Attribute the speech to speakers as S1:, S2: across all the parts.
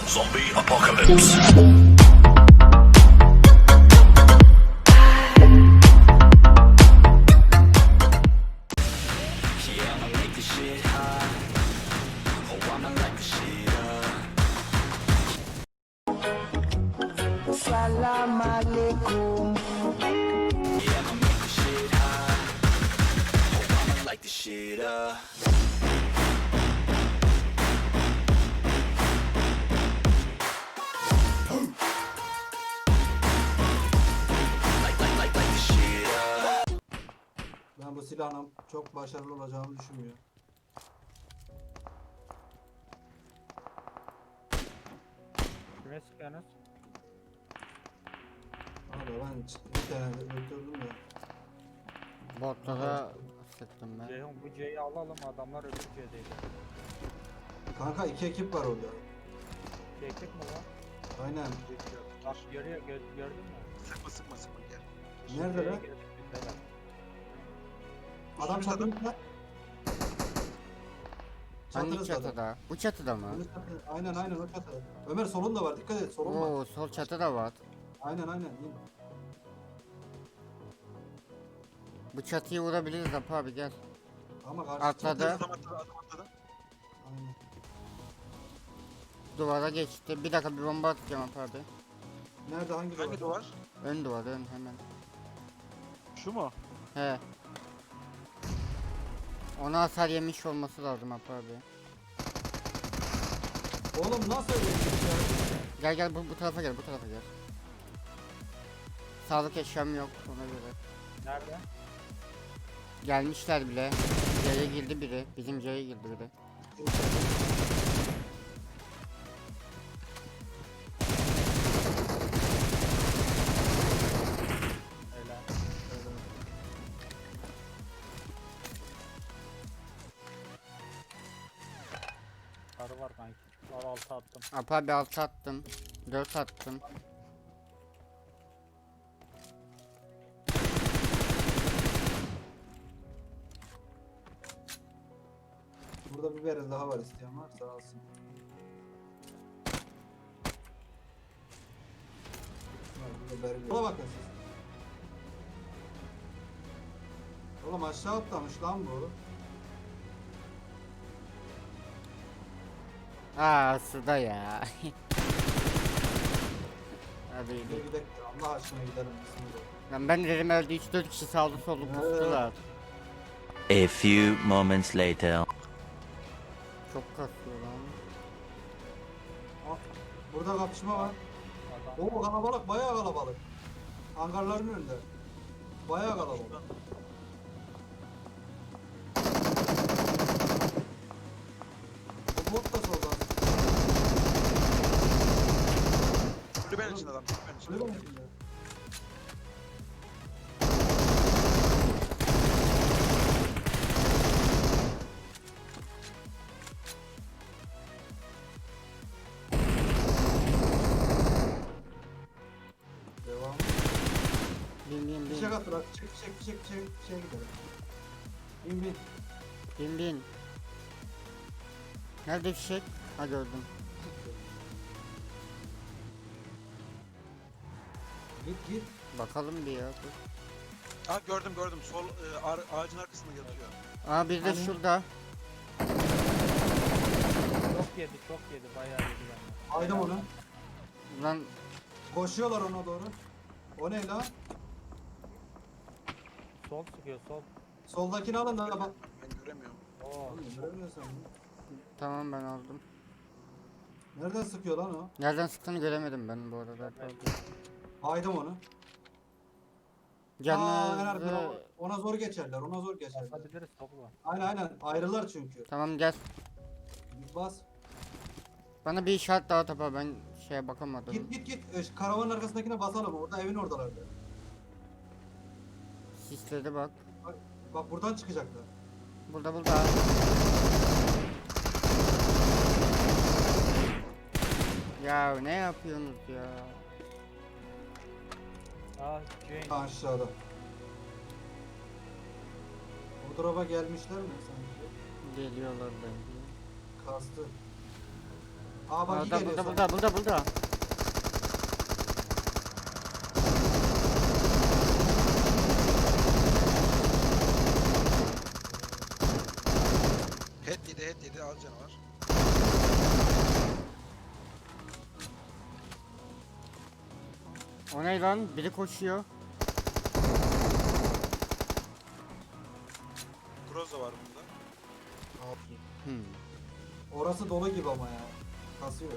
S1: Zombie apocalypse.
S2: Salam alaikum.
S1: Yeah, I'ma make this shit hot. Oh, I'ma light this shit up. Light this shit up.
S3: Ben bu silahın çok başarılı olacağımı düşünmüyorum.
S4: Kime sıkıyorsunuz?
S3: Abi ben bir tane öldürdüm de.
S5: Botlara sıktım ben.
S4: Ceyhun bu C'yi alalım, adamlar öbür C'deydi.
S3: Kanka 2 ekip var orada.
S4: Çektik mi lan?
S3: Aynen.
S4: Bak görüyor, gördün mü?
S6: Sıkma gel.
S3: Nerede
S4: C'ye
S3: lan?
S4: girdik biz de.
S3: Adam
S6: Üstümüzde
S3: çatımızda.
S5: Hangi
S3: Çatınızda adam.
S5: çatıda? Bu çatıda mı?
S3: Aynen o çatı. Ömer solun da var, dikkat et, solun var.
S5: Oo, sol çatıda var.
S3: Aynen.
S5: Bu çatıyı vurabiliriz Apo abi, gel.
S3: Ama karşı
S5: Atladı.
S3: çatı-
S6: Adam atladı.
S3: Aynen.
S5: Duvara geçti. Bir dakika, bir bomba atacağım Apo abi.
S3: Nerede, hangi
S6: Hangi duvar?
S5: Ön duvar, ön hemen.
S6: Şu mu?
S5: He. Ona hasar yemiş olması lazım Apo abi.
S3: Oğlum nasıl öyle bir şey ya?
S5: Gel bu tarafa gel, bu tarafa gel. Sağlık eşyam yok ona göre.
S4: Nerede?
S5: Gelmişler bile. C'ye girdi biri. Bizim C'ye girdi biri.
S4: Öyle. Karı var kanki. Var 6 attım.
S5: Apo abi 6 attım. 4 attım.
S3: Burada bir berez daha var, isteyen varsa alsın. Var, burada berez. Buna bakın siz. Oğlum aşağı atlamış lan bu.
S5: Aa, suda ya. Hadi
S3: Bir
S5: gidelim.
S3: gidelim, Allah aşkına gidelim. Bismillah.
S5: Lan ben dedim öldü, 3-4 kişi sağlı sollu kustular.
S7: A few moments later.
S5: Çok kasıyor lan.
S3: Aa, burada kapışma var.
S4: Adam.
S3: Oo, kalabalık, bayağı kalabalık. Hangarların önünde. Bayağı kalabalık. Bu bot da solda.
S6: Kulübenin içinde adam. Kulübenin içinde.
S3: Kulübenin içinde. Devam.
S5: Bin
S3: Fişek at bırak. Fişek gidelim. Bin.
S5: bin. Nerede fişek? Ha, gördüm.
S3: Git.
S5: Bakalım bir ya. Dur.
S6: Ha gördüm. Sol ağacın arkasında yatıyor.
S5: Aa, bir de
S3: Hani?
S5: şurada.
S4: Çok yedi, bayağı yedi yani.
S3: Aydım onu.
S5: Lan
S3: Koşuyorlar ona doğru. O ne lan?
S4: Sol sıkıyor, sol.
S3: Soldakini alın da bak.
S6: Ben göremiyorum.
S4: Oo.
S3: Oğlum, göremiyorsun.
S5: tamam, ben aldım.
S3: Nereden sıkıyor lan o?
S5: Nereden sıktığını göremedim ben bu arada.
S3: Aydım onu. En
S5: Canınızı...
S3: arkada ona zor geçerler.
S4: Basabiliriz topla.
S3: Aynen. Ayrılar çünkü.
S5: Tamam, gel.
S3: Bas.
S5: Bana bir işaret daha tapa, ben şeye bakamadım.
S3: Git. Karavanın arkasındakine basalım. Orada evin oradalardı.
S5: Sisledi bak.
S3: Bak buradan çıkacaklar.
S5: Burada. Ya ne yapıyorsunuz ya?
S4: Ah Jane.
S3: Aşağıda. O drop'a gelmişler mi sanki?
S5: Geliyorlar bence.
S3: Kastı. Aa bak
S5: Burada
S3: geliyor
S5: burada
S3: sana.
S5: burada.
S6: Head yedi az canı var.
S5: O ne lan? Biri koşuyor.
S6: Cross da var bunda.
S5: Hmm.
S3: Orası dolu gibi ama ya. Kasıyor.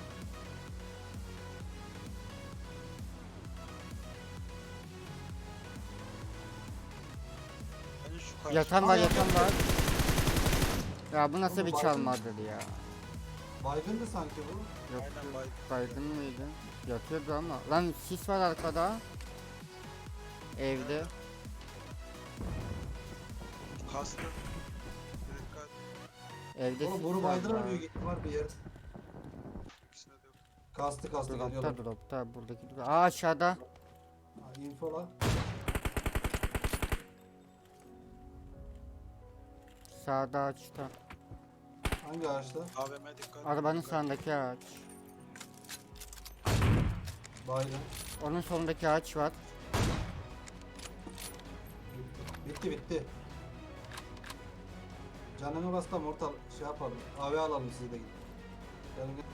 S6: Bence şu karşı.
S5: Yatan var
S3: Aa,
S5: yatan
S3: yatan.
S5: var. Ya bu nasıl
S3: Oğlum,
S5: bir
S3: baygın.
S5: çalmadır ya?
S3: Baygındı sanki bu.
S5: Yok,
S6: Aynen baygın.
S5: baygın mıydı? Yatıyordu ama. Lan sis var arkada. Evde.
S6: Kastı. Dikkat.
S5: Evde
S3: Oğlum
S5: sis
S3: bunu
S5: var
S3: baydırar
S5: ya.
S3: büyük ihtimal bir yer.
S6: İkisine de yok.
S3: Kastı geliyorlar.
S5: Dropta buradaki. Aa aşağıda.
S3: Ha, infola.
S5: Sağda ağaçta.
S3: Hangi ağaçta?
S6: AVM dikkat.
S5: Arabanın
S6: Dikkat.
S5: sağındaki ağaç.
S3: Baygın.
S5: Onun solundaki ağaç var.
S3: Bitti. Canını bas da mortal şey yapalım. AV alalım siz de gidin. Gelin gel.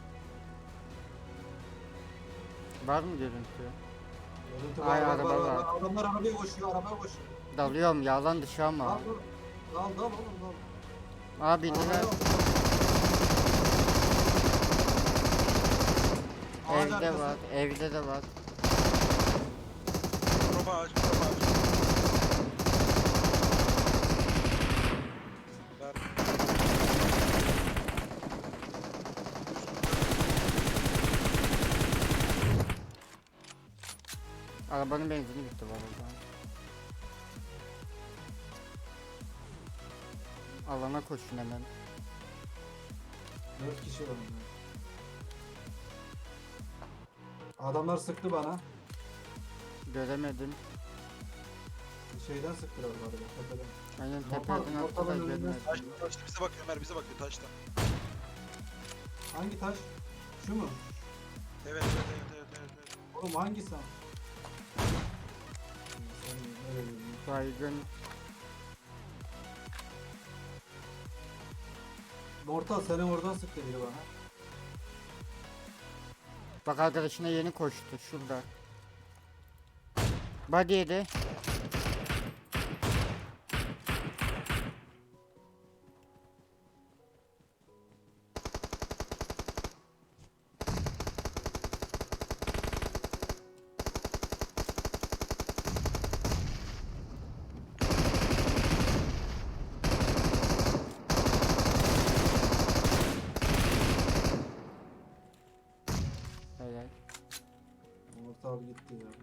S5: Var mı görüntü?
S3: Görüntü
S5: Ay,
S3: var.
S5: araba var.
S3: Adamlar arabaya koşuyor.
S5: Dalıyorum yalan dışı ama.
S3: Dal oğlum dal.
S5: Abi indiler.
S3: Arabaya bak. Ağaç
S5: Evde
S3: arkası.
S5: var. Evde de var.
S6: Proba ağacı. Ver.
S5: Arabanın benzini bitti bu arada. Alana koşun hemen.
S3: 4 kişi var. Adamlar sıktı bana.
S5: Göremedim.
S3: Şeyden sıktılar bu arada. Tepeden.
S5: Aynen
S3: Mortal-
S5: tepeden attı da
S3: mortalın önünden
S5: görmedim.
S6: Taşta bize bakıyor Ömer bize bakıyor taşta.
S3: Hangi taş? Şu mu?
S6: Evet.
S3: Oğlum hangisi? Sen nereye gidiyorsun?
S5: Baygın.
S3: Mortal seni oradan sıktı biri bana.
S5: Bak arkadaşına yeni koştu şurada. Body yedi. Helal.
S3: Mortal gitti ya.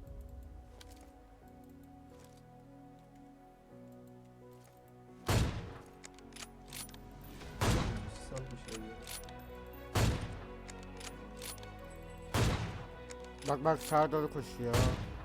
S3: Satmış ya.
S5: Bak sağa doğru koşuyor.